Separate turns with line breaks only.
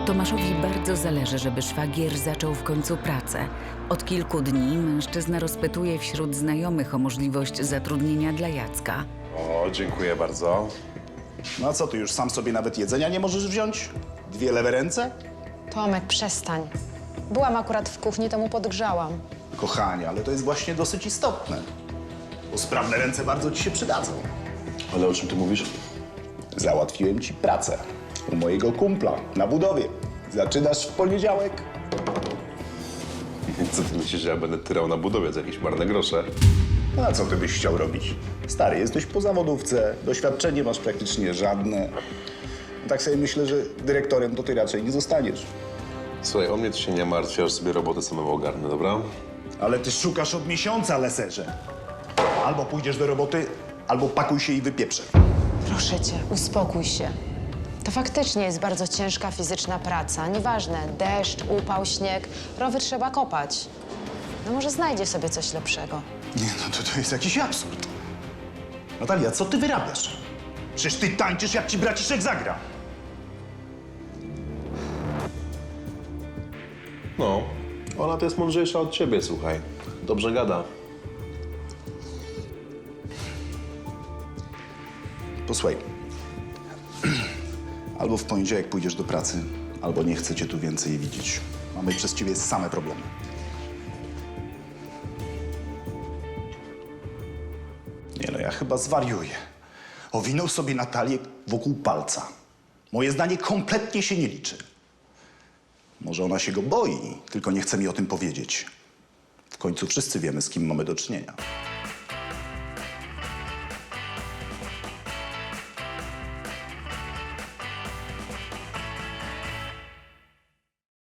Tomaszowi bardzo zależy, żeby szwagier zaczął w końcu pracę. Od kilku dni mężczyzna rozpytuje wśród znajomych o możliwość zatrudnienia dla Jacka.
O, dziękuję bardzo.
No a co, ty już sam sobie nawet jedzenia nie możesz wziąć? 2 lewe ręce?
Tomek, przestań. Byłam akurat w kuchni, to mu podgrzałam.
Kochanie, ale to jest właśnie dosyć istotne. Bo sprawne ręce bardzo ci się przydadzą.
Ale o czym ty mówisz?
Załatwiłem ci pracę u mojego kumpla na budowie. Zaczynasz w poniedziałek.
Co ty myślisz, że ja będę tyrał na budowie za jakieś marne grosze?
No a co ty byś chciał robić? Stary, jesteś po zawodówce, doświadczenie masz praktycznie żadne. Tak sobie myślę, że dyrektorem to ty raczej nie zostaniesz.
Słuchaj, o mnie to się nie martw, aż sobie robotę samemu ogarnę, dobra?
Ale ty szukasz od miesiąca, leserze. Albo pójdziesz do roboty, albo pakuj się i wypieprzę.
Proszę cię, uspokój się. To faktycznie jest bardzo ciężka fizyczna praca. Nieważne, deszcz, upał, śnieg, rowy trzeba kopać. No może znajdzie sobie coś lepszego.
Nie, no to jest jakiś absurd. Natalia, co ty wyrabiasz? Przecież ty tańczysz, jak ci braciszek zagra.
No, ona to jest mądrzejsza od ciebie, słuchaj. Dobrze gada.
Posłuchaj. Albo w poniedziałek pójdziesz do pracy, albo nie chcę cię tu więcej widzieć. Mamy przez ciebie same problemy. Nie no, ja chyba zwariuję. Owinął sobie Natalię wokół palca. Moje zdanie kompletnie się nie liczy. Może ona się go boi, tylko nie chce mi o tym powiedzieć. W końcu wszyscy wiemy, z kim mamy do czynienia.